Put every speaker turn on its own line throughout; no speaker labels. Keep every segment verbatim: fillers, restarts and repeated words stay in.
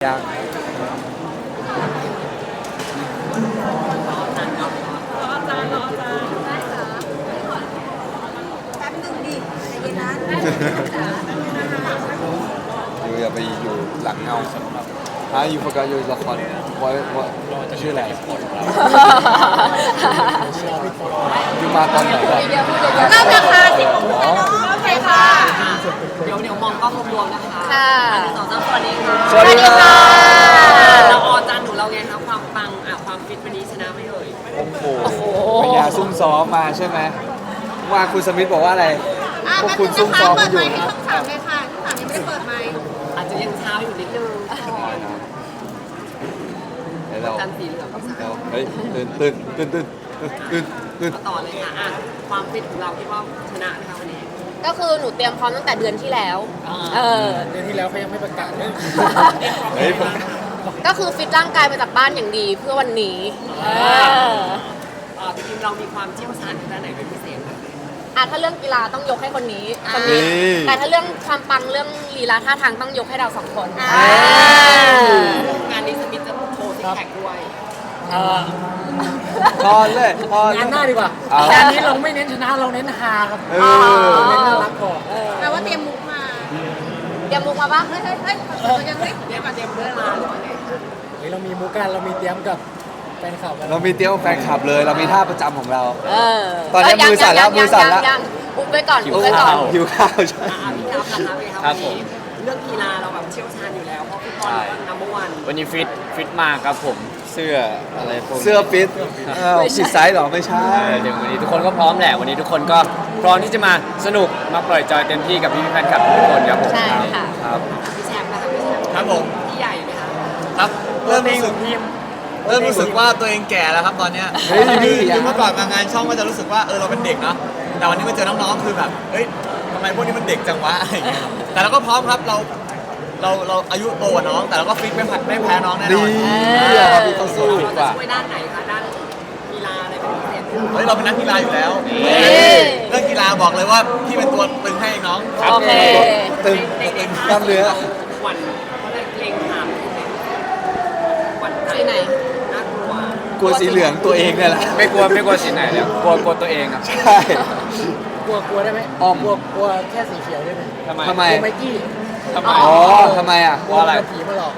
ยังอยู่อย่าไปอยู่หลังเงาอ่ะอยู่โฟกัสอยู่ละครว่าว่าชื่ออะไรอยู่มาตอนไหนก่อน
เริ่มนะคะสิบโมงเนาะโอเคค่ะ
เดี๋ยวเดี๋ยวมองกล้องรวมๆนะคะ
ค่ะ
อันที่สองสามสวัสดีค่ะ
สวัสดีค่ะ
เราออจานหนูเราไงคะความปังอ่ะความฟิตวันนี้ชนะไม่เอ่ย
โอ้โหพยาซุ่มซ้อมมาใช่ไหมว่าคุณสมิธบอกว่าอะไร
อ่ะ
พวก
แป๊บ
คุ
นึ
ณ
ง
ซุ่ม
นะคะ
ซ้อม
เปิ
กัน
ด
อ
ไม
ยู่
ค์ให้ช่องสามเลยค่ะช่องสามยังไม่ได้เปิดไมค์
อาจจะยังเช้าอยู่นิดนึงก่อน
เดี๋ยวเรา
จันทร์สีเหลืองก็
เดี๋ยวเฮ้ยตื่นตื่นตื่นตื่นตื่นตื่น
มาต่อเลยค่ะอ่ะความฟิตของเราคิดว่าชนะนะคะวันนี้
ก็คือหนูเตรียมพร้อมตั้งแต่เดือนที่แล้ว
อ่า
เออ
เดือนที่แล้วเขายังไม่ประกาศเลย
เฮ้ยผม
ก็คือฟิตร่างกายมาจากบ้านอย่างดีเพื่อวันนี้เออ
อ่าจริงๆเรามีความเชี่ยวชาญด้านไหนเป็นพิเศษคะ
อ่ะถ้าเรื่องกีฬาต้องยกให้คนนี้คนนี้ แต่ถ้าเรื่องความปังเรื่องลีลาท่าทางต้องยกให้เราสองคน
งานนี้สมิธจะโชว์ซิกแพคด้วย
เออ
พอเลยพอง
านหน้าดีกว่า
เอา
งานนี้เราไม่เน้นชนะเราเน้นฮาครับ
เอ
อ๋อ
อ
เน้นน่ารักพอ
แปลว่าเตรียมมุกมา เตรียมมุกมาปะเฮ้ยเฮ้ยเฮ้ยยังไม่
เตรียมมาเตรียมเพื่อนมาหรือว่าไง
เฮ้ยเรามีมูกันเรามีเตรียมกับแฟนคลับกัน
เรามีเตี้ยวแฟนคลับเลย เรามีท่าประจำของเรา
เออ
ตอนนี้มือสั่นแล้วมือสั่นแล้ว
ยังยังยังอุบไว้ก่อนอุบไว้ก่อน
หิวข้าวใช่
อ่ะพี่ครับนะคะพี่ครับวันนี้เรื่องกีฬาเราแบบเชี่ยวชาญอยู่แล้วเพราะฟุตบอลก็นัมเบอร์วัน
วันนี้ฟิตฟิตมากครับผมเสื้ออะไรพวกนี้
เสื้อฟิตอ้าวผิดไซส์เหรอไม่ใช่
เออเดี๋ยววันนี้ทุกคนก็พร้อมแหละวันนี้ทุกคนก็พร้อมที่จะมาสนุกมาปล่อยจอยเต็มที่กับพี่ๆแฟนคลับทุกคนครับผม
ใช่ค่ะ
ครับ
พี่แชมป์นะคะพี่แชมป์
ครับผม
พี่ใหญ่ไหมคะ
ครับเริ่มรู้สึกเริ่มรู้สึกว่าตัวเองแก่แล้วครับตอนเนี้ย
เฮ้ย
คือ
นี่
คือเมื่อก่อนมางานช่องก็จะรู้สึกว่าเออเราเป็นเด็กเนาะแต่วันนี้มาเจอน้องๆคือแบบเฮ้ยทำไมพวกนี้มันเด็กจังวะอะไรอย่างเงี้ยแต่เราก็พร้อมครับเราเราเราอายุโตกว่าน้อง แต่เราก็ฟิตไม่ผัดไม่แพ้น้องแน่น
ดี
อน
อ่ะพี่เขาสู้
เรา
ก
จะ
ว่า
ช่วยด้านไหนคะด้านกีฬาอะไรเป็นพิเศษไหมคะ
เฮ้ยเราเป็นนักกีฬาอยู่แล้ว
เฮ้ย
เรื่องกีฬาบอกเลยว่าพี่เป็นตัวตึงให้น้อง
โอเค
ตึง
ในใน
กล้ามเนื้อ
หวั่นเขาเลยเกรงขามหวั่นใจ
ที่ไหน
น่ากลัว
กลัวสีเหลืองตัวเองเนี่ยแหละ
ไม่กลัวไม่กลัวสีไหนเลยกลัวกลัวตัวเองครับ
ใช่
กลัวกลัวได้ไหม
อ้อม
กลัวกลัวแค่สีเขียวได้ไหม
ทำไม
ทำไม
กลัวไมกี้
ทำไม
อ๋อทำไมอ่ะ
กลัว
อะไร
ผีมาหลอก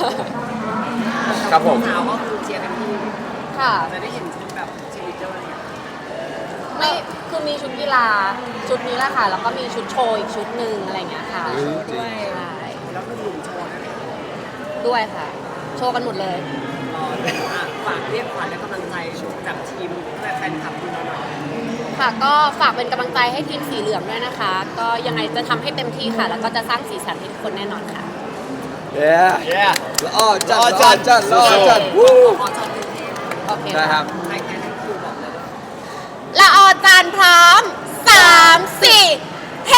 ครับผม
สาวก็คือเชียร์กันที่
ค่ะ
จะได้เห็นชุดแบบเชียร์ลีดเดอร์อะไรอย่างเงี้ย
ไม่คือมีชุดกีฬาชุดนี้แหละค่ะ แล้วก็มีชุดโชว์อีกชุดหนึ่งอะไรอย่างเงี้ยค่ะ
เฮ้ยจริง
ใช่
แล้วก็หนุ่มโชว์นั่นเอง
ด้วยค่ะ โชว์กันหมดเลย
รอเลยอ่ะฝากเรียกขวัญและกำลังใจจากทีมและแฟนคลับดูหน่อย
ค่ะก็ฝากเป็นกำลังใจให้ทีมสีเหลืองด้วยนะคะ ก็ยังไงจะทำให้เต็มที่ค่ะ แล้วก็จะสร้างสีสันให้ทุกคนแน่นอนค่ะ
เย้
เย้
ละอ้อจัดละอ้อจัดละอ้อจัดวู้
ขอชมกรุงเทพ
โอเค
ได้ครับ
ใครใครทั้งคิวบอกเลย
ละออจานพร้อมสามสี่เฮ้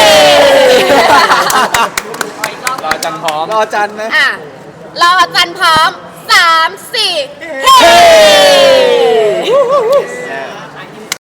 ขออีกรอบ
รอจันพร้อม
รอจันไหม
อ่ะละออจานพร้อมสามสี่เฮ้
เฮ้